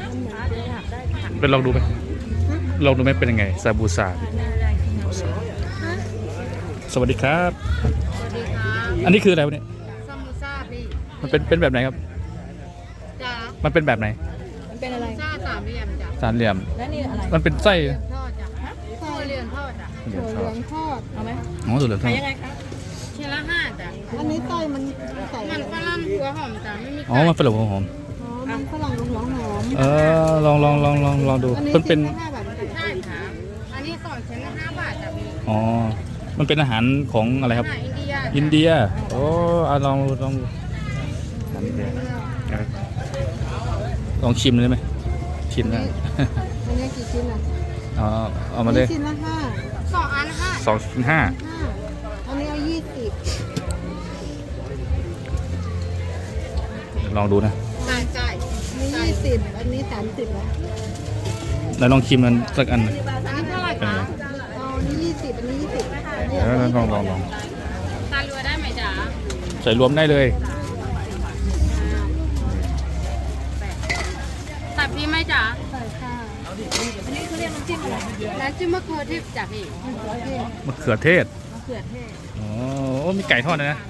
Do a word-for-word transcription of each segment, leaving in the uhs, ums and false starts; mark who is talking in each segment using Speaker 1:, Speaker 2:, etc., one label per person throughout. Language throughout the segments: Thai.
Speaker 1: เป็นลองดูไหมลองดูไหมเป็นยังไงซาบูซาสวัสดีครับ
Speaker 2: สวัสดีครับ
Speaker 1: อันนี้คืออะไรวะเนี่ย
Speaker 2: ซามูซ่าพี่
Speaker 1: มันเป็นเป็นแบบไหนครับ
Speaker 2: จ้า
Speaker 1: มันเป็นแบบไหน
Speaker 3: มันเป็นอะไร
Speaker 2: ซ่าสามเหลี่ยมจ้ะ
Speaker 1: สามเหลี่ยม
Speaker 3: แล้วนี่อะไร
Speaker 1: มันเป็นไส้
Speaker 2: เหลี่ยมทอดจ้ะข้าวเหลี่ยมทอดจ้ะ
Speaker 3: ถั่วเหลืองทอดเอาไหม
Speaker 1: อ๋อถั่วเหลืองทอด
Speaker 3: ยังไงคะ
Speaker 2: ชิ้นละห้าจ้ะ
Speaker 3: อันนี้ไส้มันใส่
Speaker 2: มันฝรั่งหัวหอมจ้ะไม่มี
Speaker 1: อ๋อมันเป็นหลงหอม
Speaker 3: อ๋อมันฝรั่งหลวงหอม
Speaker 1: เออลองลองลองลองลองดู
Speaker 3: อันนี้
Speaker 1: มันเป็น
Speaker 3: ชิ้ละห้าบาทเหมือนกัน
Speaker 2: ใช่ครับอันนี้สองชิ้นละห้าบาทจ้ะพี่
Speaker 1: อ๋อมันเป็นอาหารของอะไรครับ
Speaker 2: อาหารอินเดีย
Speaker 1: อินเดียโอ้อะลองลองลองดูลองชิมเลยไหมชิมได้
Speaker 3: อันนี้กี่ชิ้นอ่ะ
Speaker 1: เอาเอามาเลย
Speaker 3: ชิ้นละห้า
Speaker 2: สองอันห้า
Speaker 1: สองชิ้นห้า
Speaker 3: ห้าอันนี้เอายี่สิบ
Speaker 1: ลองดูนะ
Speaker 2: จ่ายจ่าย
Speaker 3: มียี่สิบอันนี้สามสิบแล้ว
Speaker 1: แล้วลองชิมมันสักอันหนึ่ง
Speaker 2: อันนี้เท่าไหร่
Speaker 1: เป็น
Speaker 2: คะ
Speaker 1: ไง
Speaker 3: เอาอันนี้ยี่สิบอันนี้ยี่สิบ
Speaker 1: เออลองลองลอง
Speaker 2: ทานรัวได้ไหมจ๊ะ
Speaker 1: ใส่รวมได้เลย
Speaker 2: ตัดพี่ไหมจ๊ะ
Speaker 3: ใส่ค่ะอันนี้เขาเรียกน้ำจิ้มอะไร
Speaker 2: น้ำจิ้มมะเขือเทศจ้ะพี่
Speaker 1: มะเขือเทศ
Speaker 3: มะเขือเทศ
Speaker 1: อ๋อโอ้มีไก่ทอดด้วยนะ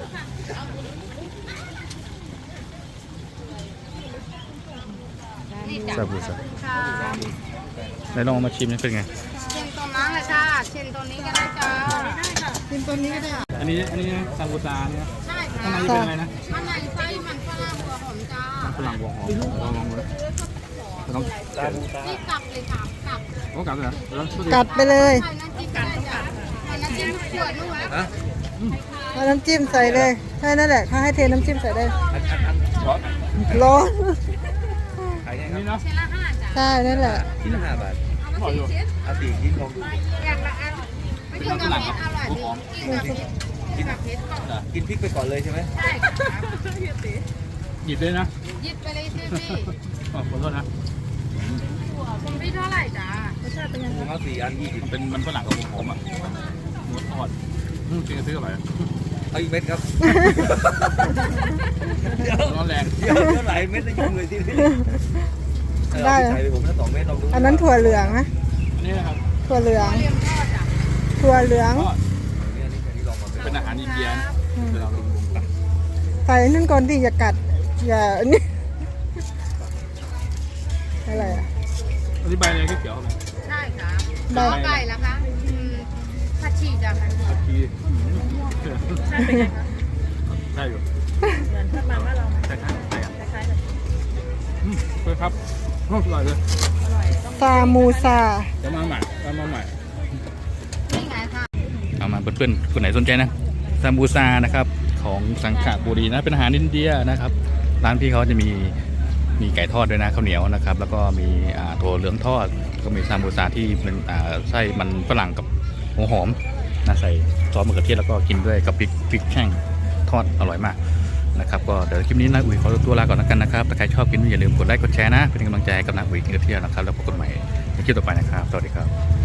Speaker 2: นี่จ้ะ
Speaker 1: ซาบูซา
Speaker 2: ค่ะ
Speaker 1: ไหนลองเอามาชิมนี่เป็นไง
Speaker 2: เช่นตรงนั้นเลยค่ะเช่นตรงนี้ก็ได้จ้า
Speaker 3: ชิมตัวนี้ก็ได้
Speaker 1: อันนี้อันนี้ซาบูซาเนี่ย
Speaker 2: ใช่
Speaker 1: ข้างใน
Speaker 2: ค่ะ
Speaker 1: เป็นอะไรนะ
Speaker 2: อันไหนไส้มันฝรั่งหัวหอมจ้า
Speaker 1: ฝรั่งวงหอมลองลองดูลอง
Speaker 2: นี่กลับเลยค่ะกลับ
Speaker 1: โอ้กลับเลยเหรอแล้ว
Speaker 3: กัดไปเลย
Speaker 2: ใส่น้ำจิ้มก็ได้จ้ะใส่น้ำจิ้มขวดนู้นนะ
Speaker 3: เอาน้ำจิ้มใส่เลยแค่นั้นแหละเขาให้เทน้ำจิ้มใส่ได้
Speaker 1: ร้อน
Speaker 3: ร้อน
Speaker 1: ขายยังไงครับ
Speaker 2: เชนละห้าจ้ะ
Speaker 3: ใช่นั่นแหละ
Speaker 4: ชิ้นละห้าบาท
Speaker 2: เอามาสี่ชิ้น
Speaker 4: เอาสี่ชิ้นลองดู
Speaker 2: อย่างละอันไม่กินกับเพชรอร่อยดีกินกับเพชรกินกับเพชรก่อน
Speaker 4: กินพริกไปก่อนเลยใช่ไหม
Speaker 2: ใช่ค่ะ
Speaker 1: หยิบเลยนะ
Speaker 2: หยิบไปเลยสิพี่
Speaker 1: อ๋อขอโทษนะ
Speaker 2: คุณพี่เท่าไหร่จ้ะ
Speaker 4: ผมเอาสี่อันยี่สิบ
Speaker 1: มันเป็นมันฝรั่งกับวงหอมอ่ะหมูทอดอืมกินกระซื้ออะไร
Speaker 4: เอาอีกเม็ดครับ
Speaker 1: ร้อนแรง
Speaker 4: เดี๋ยวเท่าไหร่เม็ดจะยุ่งเลยทีนี้เออ
Speaker 3: ได้
Speaker 4: เอาไปใส่ไปผมนะสองเม็ดลองดู
Speaker 3: อันนั้นถั่วเหลืองนะ
Speaker 1: อันนี้นะครับ
Speaker 3: ถั่วเหลือง
Speaker 2: เรียมทอดจ้ะ
Speaker 3: ถั่วเหลือง
Speaker 1: ทอด
Speaker 4: เนี่ยนี่อันนี้ลองมาเป็น
Speaker 1: เป็นอาหารอินเดียนะเวลาลง
Speaker 3: ใส่นั่นก่อนที่อย่ากัด อย่าอันนี้อะไรอ่ะ
Speaker 1: อธิบายอะไรก็เกี่ยวกับ
Speaker 2: ใช่ค่ะ
Speaker 3: ได้
Speaker 2: ข้าวไก่ละคะอืมผัดชีจ้ะผัดชี
Speaker 1: ผัดชี
Speaker 2: ใช่เป็นไงคะ
Speaker 1: ได้อยู่
Speaker 3: เหมือนทอดมันว่าเรา
Speaker 1: ใช่ครับใช่ครับ
Speaker 3: คล้ายๆกัน
Speaker 1: อืมเคยครับอร่อยเลย
Speaker 3: ซามูซา
Speaker 1: จะมาใหม่จะมาใหม่
Speaker 2: นี่ไงค่ะ
Speaker 1: เอามาเพื่อนๆคนไหนสนใจนะซาบูซานะครับของสังขบุรีนะเป็นอาหารอินเดียนะครับร้านพี่เขาจะมีมีไก่ทอดด้วยนะข้าวเหนียวนะครับแล้วก็มีอ่าถั่วเหลืองทอดก็มีซาบูซาที่เป็นอ่าไส้มันฝรั่งกับหัวหอมนะใส่ซอสมะเขือเทศแล้วก็กินด้วยกับพริกพริกแห้งทอดอร่อยมากนะครับก็เดี๋ยวคลิปนี้นะอุ๋ยขอตัวลาก่อนแล้วกันนะครับถ้าใครชอบคลิปนี้อย่าลืมกดไลค์กดแชร์นะเป็นกำลังใจให้กับนะอุ๋ยกินกระเทียมนะครับแล้วพบกันใหม่ในคลิปต่อไปนะครับสวัสดีครับ